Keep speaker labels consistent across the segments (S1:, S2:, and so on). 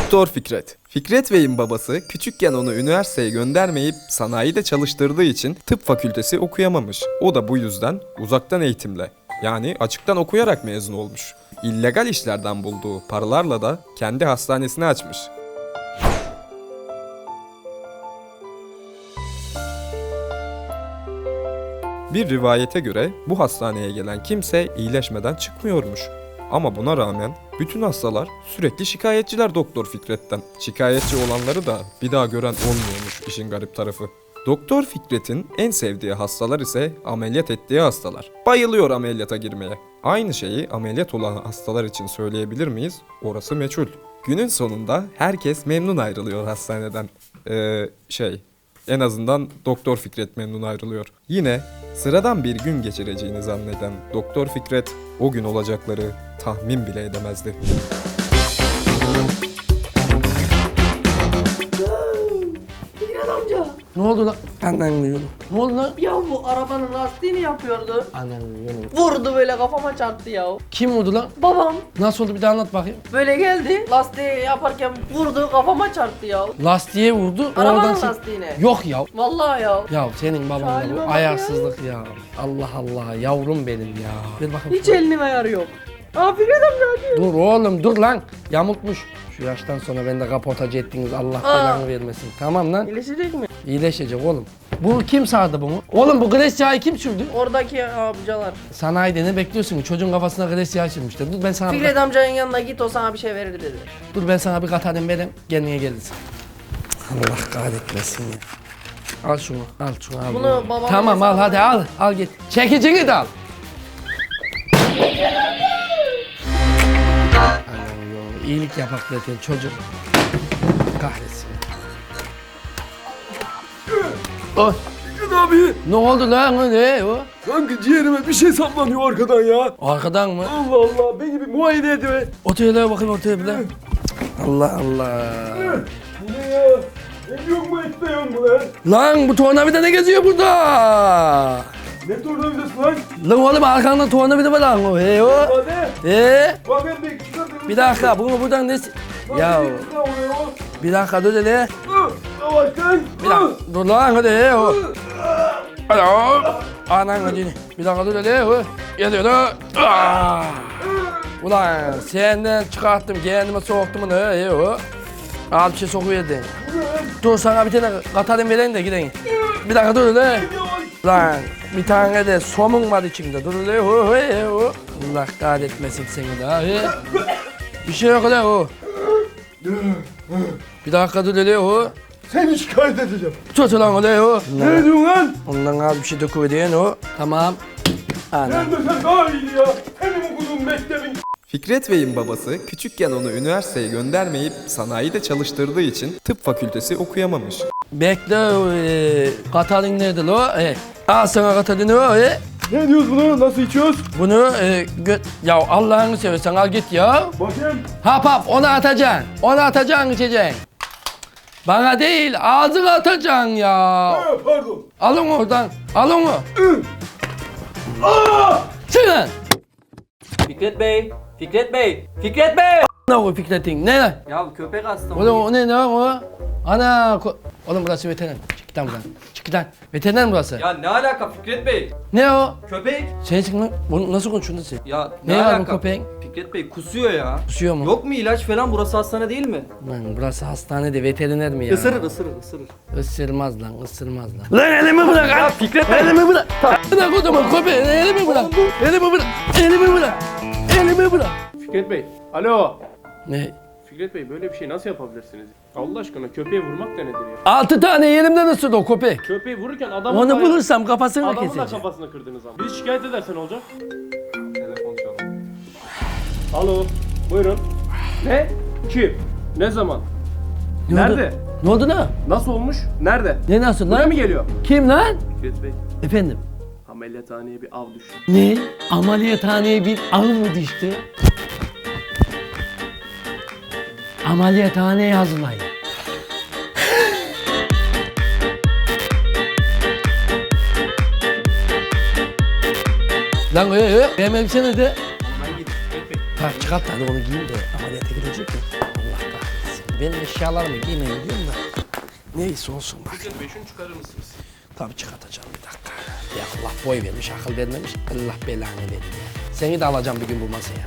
S1: Doktor Fikret. Fikret Bey'in babası küçükken onu üniversiteye göndermeyip sanayide çalıştırdığı için tıp fakültesi okuyamamış. O da bu yüzden uzaktan eğitimle, yani açıktan okuyarak mezun olmuş. İllegal işlerden bulduğu paralarla da kendi hastanesini açmış. Bir rivayete göre bu hastaneye gelen kimse iyileşmeden çıkmıyormuş. Ama buna rağmen bütün hastalar sürekli şikayetçiler Doktor Fikret'ten. Şikayetçi olanları da bir daha gören olmuyormuş işin garip tarafı. Doktor Fikret'in en sevdiği hastalar ise ameliyat ettiği hastalar. Bayılıyor ameliyata girmeye. Aynı şeyi ameliyat olan hastalar için söyleyebilir miyiz? Orası meçhul. Günün sonunda herkes memnun ayrılıyor hastaneden. En azından Doktor Fikret memnun ayrılıyor. Yine sıradan bir gün geçireceğini zanneden Doktor Fikret o gün olacakları tahmin bile edemezdi.
S2: Fikret amca.
S3: Ne oldu lan? Anlamıyorum. Ne oldu lan?
S2: Ya bu arabanın lastiğini yapıyordu.
S3: Anlamıyorum.
S2: Vurdu böyle kafama çarptı ya.
S3: Kim vurdu lan?
S2: Babam
S3: Nasıl oldu bir daha anlat bakayım.
S2: böyle geldi. Lastiği yaparken vurdu kafama çarptı ya.
S3: Lastiğe vurdu.
S2: Arabanın
S3: sen-
S2: lastiğine.
S3: Yok ya.
S2: Vallahi ya.
S3: Ya senin baban da
S2: Halime
S3: bu
S2: bak
S3: ayarsızlık ya. Allah Allah yavrum benim ya. Ver bakayım.
S2: Hiç elinin ayarı yok. Aa Fikret amca hadi.
S3: Dur oğlum dur lan. Yamultmuş. Şu yaştan sonra beni de kaportacı ettiniz. Allah belanı vermesin. Tamam lan.
S2: İyileşecek mi?
S3: İyileşecek oğlum. Bu kim sardı bunu? Oğlum bu gres yağı kim sürdü?
S2: Oradaki amcalar.
S3: Sanayide ne bekliyorsun? Çocuğun kafasına gres yağı sürmüşler. Dur ben sana
S2: Fikret amcanın yanına git o sana bir şey verir dedi.
S3: Dur ben sana bir katarım vereyim. Kendine gelirsin. Allah kahretmesin ya. Al şunu, al şunu al.
S2: Bunu babama
S3: Tamam al hadi al, al git. Çekicini de al. Anam yo, iyilik yapak derken çocuk. Kahretsin. Oh.
S4: Fikret abi,
S3: Ne oldu lan o ne o?
S4: kanka ciğerime bir şey saplanıyor arkadan ya.
S3: Arkadan mı?
S4: Allah Allah, beni bir muayene ediyor.
S3: Otele bakayım otele bile. Allah Allah.
S4: Bu ne ya? Et yok mu, et de yok mu lan?
S3: Lan bu tornavida ne geziyor burada?
S4: Ne tornavidası lan?
S3: Lan oğlum arkanda tornavida var lan o. Hey o.
S4: Hadi. Bak ben bir çıkartayım.
S3: Bir dakika bunu buradan ne... Ya bir dakika dur hele.
S4: Yavaştan.
S3: Bir dakika dur lan hadi he o. Hadi o. Anan hadi. Bir dakika dur hele o. Geliyor da. Ulan senden çıkarttım kendime soktum onu he o. Al bir şey sokuverdin. Dur sana bir tane katarım vereyim de gidelim. Bir dakika dur hele. Lan bir tane de somun var içinde. Dur hele o. Allah kahretmesin seni daha he. Bir şey yok hele o. Bir dakika dur hele o.
S4: Seni şikayet edeceğim.
S3: Tut lan hele o.
S4: Ne diyorsun lan?
S3: Ondan az bir şey döküveriyorsun o. Tamam. Ana.
S4: Sen de sen daha iyi ya. Benim okuduğum mektebin.
S1: Fikret Bey'in babası küçükken onu üniversiteye göndermeyip sanayide çalıştırdığı için tıp fakültesi okuyamamış.
S3: Bekle Katalin nerede lo? Al sana Katalin o.
S4: Ne diyoruz bunu? Nasıl içiyoruz?
S3: Bunu ya Allah'ını seversen al git ya.
S4: Bakayım.
S3: Hap onu atacaksın. Onu atacaksın içeceksin. Bana değil ağzına atacaksın ya.
S4: Ha, pardon.
S3: Alın oradan. Al onu.
S4: Aa!
S3: Çıkın.
S5: Fikret Bey! Fikret Bey! Fikret Bey!
S3: Ne o Fikret'in? Ne lan?
S5: Ya köpek hasta
S3: Oğlum o ne lan o? Ana oğlum burası veteriner. Çık git lan buradan. Çık git lan. Veteriner mi burası?
S5: Ya ne alaka Fikret Bey?
S3: Ne o?
S5: Köpek!
S3: Sen çık lan. Bunu nasıl konuşuyorsun sen?
S5: Ya
S3: Ne
S5: ne
S3: var bu
S5: alaka?
S3: köpeğin?
S5: Fikret Bey kusuyor ya.
S3: Kusuyor mu?
S5: Yok mu ilaç falan? Burası hastane değil mi?
S3: Lan burası hastane de veteriner mi ya?
S5: Isırır ısırır ısırır.
S3: Isırmaz lan, ısırmaz lan. Lan elimi bırak!
S5: Ya Fikret Bey!
S3: Elimi bırak! Bırak o zaman köpeği, elimi bırak! Elimi bırak! Elimi bırak! Elimi bırak!
S6: Fikret Bey, alo.
S3: Ne?
S6: Fikret Bey böyle bir şey nasıl yapabilirsiniz? Allah aşkına köpeği vurmak da nedir ya?
S3: 6 tane yerimden ısırdı o köpek.
S6: Köpeği vururken adamın
S3: Onu
S6: da-
S3: bulursam kafasını
S6: adamın da
S3: keseceğim.
S6: kafasını kırdınız ama. Biz şikayet edersen olacak.
S4: Telefon çalıyor.
S6: Alo, buyurun. Ne? Kim? Ne zaman?
S3: Ne oldu?
S6: Nerede?
S3: Ne oldu lan?
S6: Nasıl olmuş? Nerede?
S3: Ne nasıl
S6: Buraya
S3: lan?
S6: mı geliyor?
S3: Kim lan?
S6: Fikret Bey,
S3: Efendim?
S6: ameliyathaneye bir av düştü.
S3: Ne? Ameliyathaneye bir av mı düştü? Ameliyathaneye hazırlayın. Lan benim elbise nerede?
S6: Ben git Fikret Bey.
S3: Ha çıkart hadi onu giyin de ameliyata gidecek mi? Allah kahretsin. Ben eşyalarımı giymeye gidiyorum da. Neyse olsun bak.
S6: Fikret Bey şunu çıkarır mısınız?
S3: Tabii çıkartacağım bir dakika. Ya Allah boy vermiş, akıl vermemiş. Allah belanı verir ya. Seni de alacağım bir gün bu masaya.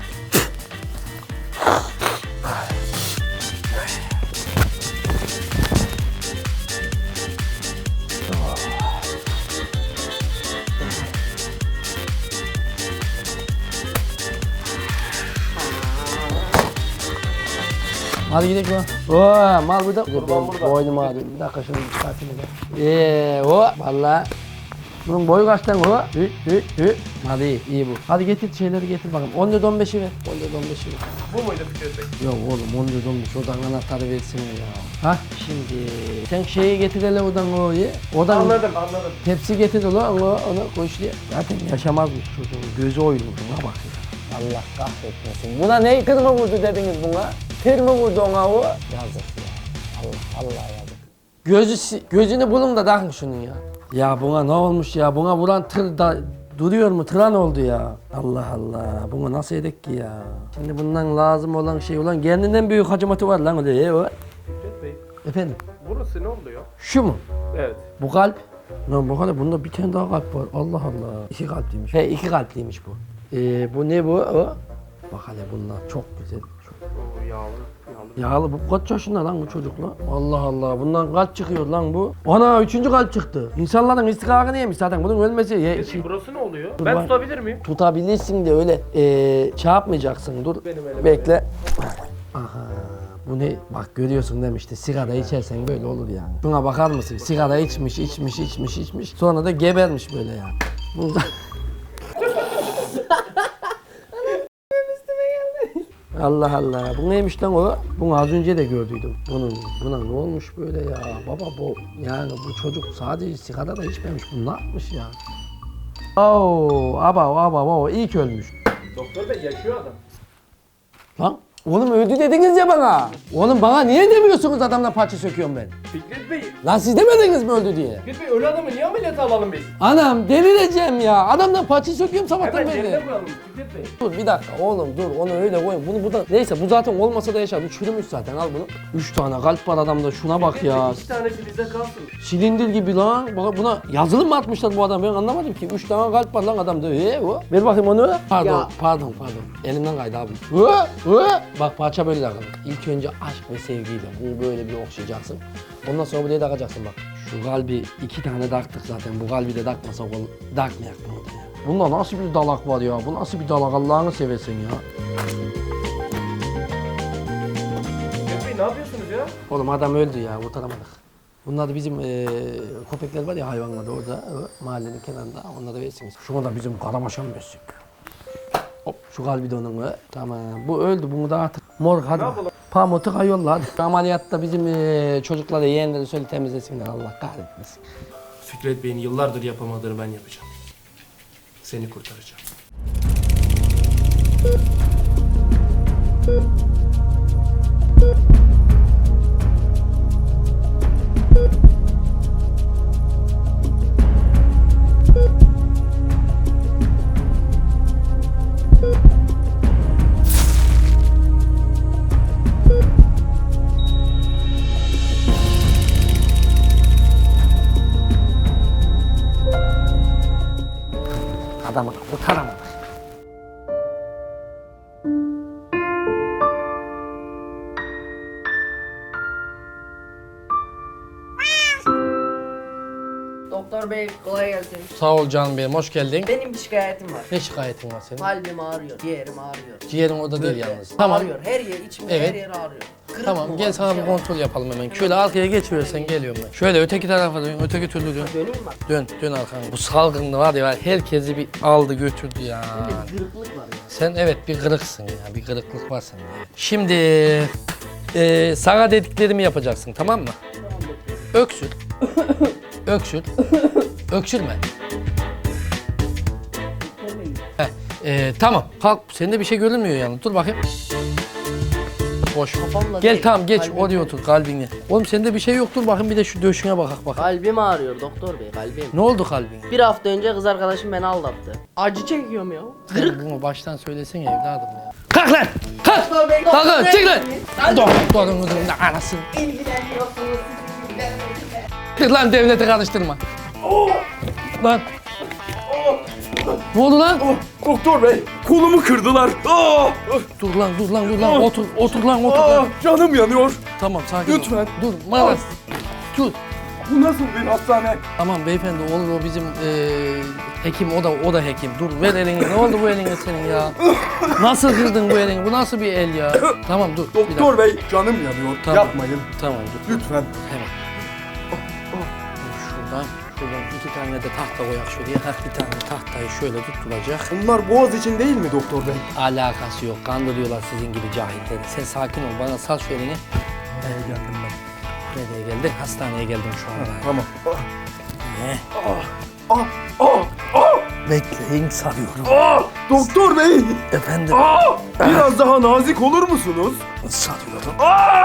S3: Hadi gidelim lan. Oo, mal burada.
S6: Kurban burada.
S3: Boynum ağrıyor. Bir dakika şunu çıkartayım da. O valla. Bunun boyu kaç lan o? Hadi iyi bu. Hadi getir şeyleri getir bakalım. 14-15'i ver. 14-15'i ver.
S6: Bu muydu Fikret Bey?
S3: Yok oğlum 14-15 odan anahtarı versene ya. Ha şimdi sen şeyi getir hele odan o ye. Odan
S6: Anladım.
S3: tepsi getir ulan onu koy şuraya. Zaten yaşamazmış çocuğun gözü oyulmuş buna bak ya. Allah kahretmesin. Buna ne kırma vurdu dediniz buna? Kır mı vurdu ona o? Yazık ya. Allah yazık. Gözünü bulun da takın şunun ya. Ya buna ne olmuş ya? Buna vuran tır da duruyor mu? Tıran oldu ya. Allah Allah. Bunu nasıl edek ki ya? Şimdi bundan lazım olan şey olan kendinden büyük hacamatı var lan öyle o.
S6: Fikret Bey
S3: Efendim?
S6: burası ne oluyor?
S3: Şu mu?
S6: Evet.
S3: Bu kalp. Lan bakalım bunda bir tane daha kalp var. Allah Allah. 2 kalpliymiş. He 2 kalpliymiş bu. Bu ne bu? O. Bak hele bunlar çok güzel. Çok...
S6: O yağlı.
S3: Yağlı bu kaç yaşında lan bu çocuk lan? Allah Allah bundan kalp çıkıyor lan bu. Ana 3. kalp çıktı. İnsanların istikakını yemiş zaten bunun ölmesi.
S6: Peki burası ne oluyor?
S3: Dur
S6: Ben
S3: bak.
S6: tutabilir miyim?
S3: Tutabilirsin de öyle şey yapmayacaksın dur.
S6: Benim elim
S3: Bekle. Aha. Bu ne? Bak görüyorsun demişti. Sigara içersen böyle olur yani. Şuna bakar mısın? Sigara içmiş. Sonra da gebermiş böyle yani. Bunda... Allah Allah. Bu neymiş lan o? Bunu az önce de gördüydüm. Buna ne olmuş böyle ya? Baba bu yani bu çocuk sadece sigara da içmemiş. Bu ne yapmış ya? Oo, aba ilk ölmüş.
S6: Doktor Bey yaşıyor adam.
S3: Lan oğlum öldü dediniz ya bana. Oğlum bana niye demiyorsunuz adamla parça söküyorum ben?
S6: Fikret Bey.
S3: Lan siz demediniz mi öldü diye?
S6: Fikret Bey ölü adamı niye ameliyata alalım biz?
S3: Anam delireceğim ya. Adamdan parça söküyorum sabahtan
S6: Hemen yerine
S3: beri.
S6: koyalım Fikret Bey.
S3: Dur bir dakika oğlum dur onu öyle koyun. Bunu burada neyse bu zaten olmasa da yaşar. Bu çürümüş zaten al bunu. 3 tane kalp var adamda şuna bak ya.
S6: 2 tanesi bize kalsın.
S3: Silindir gibi lan. Bak buna yazılım mı atmışlar bu adam ben anlamadım ki. 3 tane kalp var lan adamda. O. Ver bakayım onu. Pardon. Elimden kaydı abi. Bak parça böyle takılır. İlk önce aşk ve sevgiyle bunu böyle bir okşayacaksın. Ondan sonra buraya takacaksın bak. Şu kalbi 2 tane taktık zaten. Bu kalbi de takmasak takmayak bunu da ya. Bunda nasıl bir dalak var ya? Bu nasıl bir dalak Allah'ını seversen ya?
S6: Fikret Bey ne yapıyorsunuz ya?
S3: Oğlum adam öldü ya kurtaramadık. Bunlar da bizim köpekler var ya hayvanlar da orada mahallenin kenarında onlara versiniz. Şuna da bizim karamaşan beslik. Hop şu kalbi de onun tamam bu öldü bunu da artık mor hadi. Pamutu kayolla hadi. Ameliyatta bizim çocuklara yeğenleri söyle temizlesinler Allah kahretmesin.
S6: Fikret Bey'in yıllardır yapamadığını ben yapacağım. Seni kurtaracağım.
S3: Adamı kurtaramadık.
S2: Doktor bey kolay gelsin.
S3: Sağ ol canım benim hoş geldin.
S2: Benim bir şikayetim var.
S3: Ne şikayetin var senin?
S2: Kalbim ağrıyor, ciğerim ağrıyor.
S3: Ciğerin orada değil
S2: Böyle
S3: yalnız. Tamam.
S2: Ağrıyor, her yer, içimde
S3: Evet.
S2: her yer ağrıyor. Kırık
S3: Tamam
S2: mı
S3: gel
S2: var,
S3: sana bir
S2: şey var?
S3: kontrol yapalım hemen. Şöyle arkaya geç verirsen geliyorum ben. Şöyle öteki tarafa dön, öteki türlü dön.
S2: Döneyim bak.
S3: Dön arkana. Bu salgında var ya herkesi bir aldı götürdü ya.
S2: Bir kırıklık var ya.
S3: Sen evet bir kırıksın ya. Bir kırıklık var sende. Şimdi sana dediklerimi yapacaksın tamam mı? Öksür. Öksür. Öksürme. Tamam. Kalk. Sende bir şey görünmüyor yani. Dur bakayım. Boş.
S2: Kafamla
S3: Gel
S2: değil,
S3: tamam geç
S2: kalbim.
S3: oraya otur kalbine. Oğlum sende bir şey yoktur bakın bir de şu döşüne bakak bak.
S2: Kalbim ağrıyor doktor bey, kalbim.
S3: Ne oldu kalbine?
S2: Bir hafta önce kız arkadaşım beni aldattı. Acı çekiyorum ya.
S3: Sen bunu baştan söylesene evladım ya. Kalk lan! Kalk!
S2: Doktor bey,
S3: Kalk
S2: doktor
S3: lan!
S2: bey.
S3: Çık lan! Doktorunuzun da anasını.
S2: İlgileniyorsunuz.
S3: Çık lan devleti karıştırma. Lan. Ne oldu lan?
S4: Doktor bey, kolumu kırdılar.
S3: Dur lan. Otur lan.
S4: Canım yanıyor.
S3: Tamam sakin ol.
S4: Lütfen.
S3: Dur Maras. Tut.
S4: Bu nasıl bir hastane?
S3: Tamam beyefendi olur o bizim hekim o da hekim. Dur ver elini. Ne oldu bu eline senin ya? Nasıl kırdın bu elini? Bu nasıl bir el ya? Tamam dur. bir dakika.
S4: Doktor bey, canım yanıyor.
S3: Tamam.
S4: Yapmayın.
S3: Tamam dur.
S4: Lütfen.
S3: Hemen. Şuradan 2 tane de tahta koyak şuraya. Bir tane tahtayı şöyle tutulacak.
S4: Bunlar boğaz için değil mi doktor bey?
S3: Alakası yok. Kandırıyorlar sizin gibi cahilleri. Sen sakin ol. Bana sal şu elini.
S4: Nereye geldim ben?
S3: Nereye geldin? Hastaneye geldim şu anda.
S4: Tamam.
S3: Ne?
S4: Ah,
S3: Bekleyin sarıyorum.
S4: doktor bey!
S3: Efendim
S4: Biraz daha nazik olur musunuz?
S3: sarıyorum.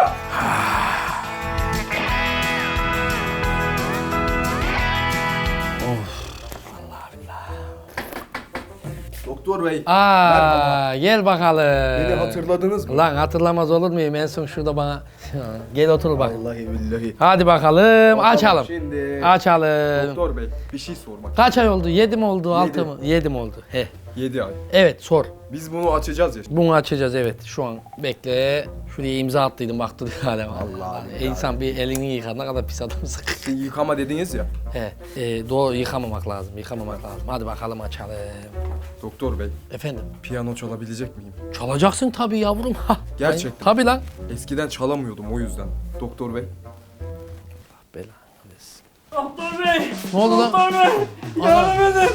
S4: Doktor bey,
S3: Gel bakalım.
S4: beni hatırladınız mı?
S3: Lan hatırlamaz olur muyum? En son şurada bana... Gel otur bak.
S4: Vallahi billahi.
S3: Hadi bakalım. Açalım.
S4: Şimdi
S3: Açalım.
S4: doktor bey, bir şey sormak.
S3: Kaç ay oldu? 7 mi oldu? 6
S4: Yedi.
S3: mı? 7 mi oldu? He.
S4: 7 ay.
S3: Evet sor.
S4: Biz bunu açacağız ya.
S3: Bunu açacağız evet. Şu an bekle. Şuraya imza attıydım baktı hala.
S4: Allah.
S3: İnsan bir elini yıkar. Ne kadar pis adamsın.
S4: Yıkama dediniz ya.
S3: He. Doğru yıkamamak lazım. Yıkamamak lazım. Hadi bakalım açalım.
S4: Doktor bey,
S3: Efendim.
S4: piyano çalabilecek miyim?
S3: Çalacaksın tabii yavrum. Ha.
S4: Gerçekten.
S3: Tabii lan.
S4: Eskiden çalamıyordum o yüzden. Doktor bey.
S3: Belanı versin.
S6: Doktor bey.
S3: Ne oldu lan?
S6: Doktor bey. Yardım edin.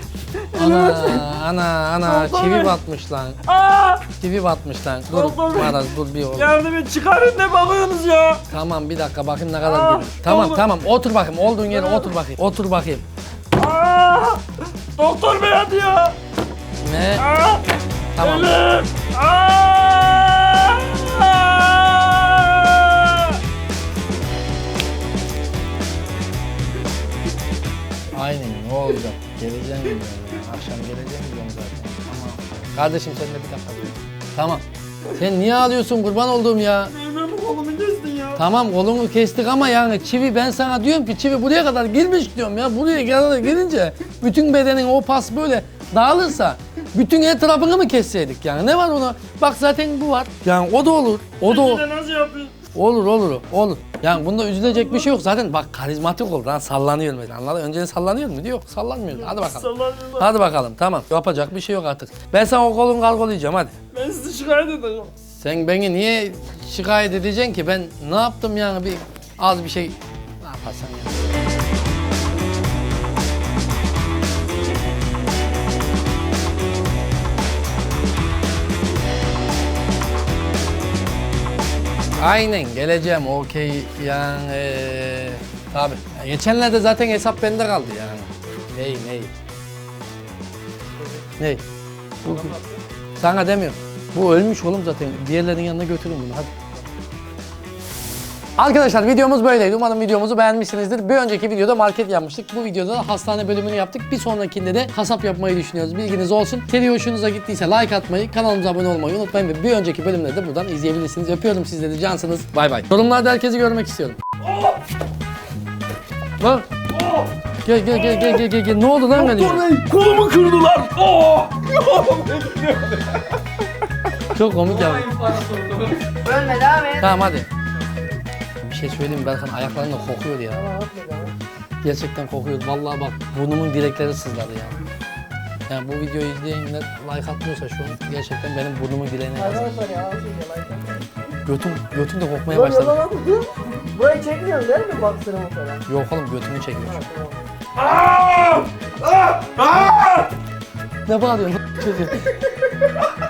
S3: Ana çivi batmış lan. Çivi batmış lan. Dur
S6: Doktor Bey.
S3: Maraz dur bir oğlum.
S6: Yardım et. Çıkarın ne bakıyorsunuz ya?
S3: Tamam bir dakika bakayım ne kadar geliyor. Tamam otur bakayım olduğun yere otur bakayım. Otur bakayım.
S6: Doktor bey hadi ya.
S3: Ne? Tamam.
S6: Elim.
S3: Aynen ne olacak? Geleceğim diyorum ya. Akşam geleceğim diyorum zaten. Tamam. Kardeşim sen de bir dakika dur. Tamam. Sen niye ağlıyorsun kurban olduğum ya?
S6: Benim kolumu kestin ya.
S3: Tamam kolunu kestik ama yani çivi ben sana diyorum ki çivi buraya kadar girmiş diyorum ya. Buraya kadar girince bütün bedenin o pas böyle dağılırsa bütün etrafını mı kesseydik yani? Ne var ona? Bak zaten bu var. Yani o da olur. O da
S6: Bir de nasıl yapıyorsun?
S3: olur. Yani bunda üzülecek bir şey yok. Zaten bak karizmatik oldu lan sallanıyor mesela anladın? Önceden sallanıyor muydu? Yok sallanmıyor. Hadi bakalım.
S6: Sallanıyorlar.
S3: Hadi bakalım tamam. Yapacak bir şey yok artık. Ben sana o kolunu kargolayacağım hadi.
S6: Ben sizi şikayet edeceğim.
S3: Sen beni niye şikayet edeceksin ki? Ben ne yaptım yani bir az bir şey ne yaparsan ya. Aynen geleceğim okey yani tabi. Geçenlerde zaten hesap bende kaldı yani. Ney? Bu, sana demiyorum. Bu ölmüş oğlum zaten. Diğerlerinin yanına götürün bunu hadi. Arkadaşlar videomuz böyleydi. Umarım videomuzu beğenmişsinizdir. Bir önceki videoda market yapmıştık. Bu videoda da hastane bölümünü yaptık. Bir sonrakinde de kasap yapmayı düşünüyoruz. Bilginiz olsun. Seri hoşunuza gittiyse like atmayı, kanalımıza abone olmayı unutmayın ve bir önceki bölümleri de buradan izleyebilirsiniz. Öpüyorum sizleri cansınız. Bay bay. Yorumlarda herkesi görmek istiyorum. Lan. Gel. Ne oldu lan benim?
S4: Doktor bey, kolumu kırdılar.
S3: Çok komik ya.
S2: Ölme devam et.
S3: Tamam hadi. Bir şey söyleyeyim mi? Berkan ayaklarında kokuyor ya. Gerçekten kokuyor. Vallahi bak burnumun direkleri sızladı ya. Yani bu videoyu izleyenler like atmıyorsa şu an gerçekten benim burnumun direğine yazık.
S2: Arkadaşlar ya.
S3: Götüm de kokmaya başladı.
S2: Burayı çekmiyorsun değil mi baksırımı falan?
S3: Yok oğlum götümü çekiyor. Ne bağırıyorsun?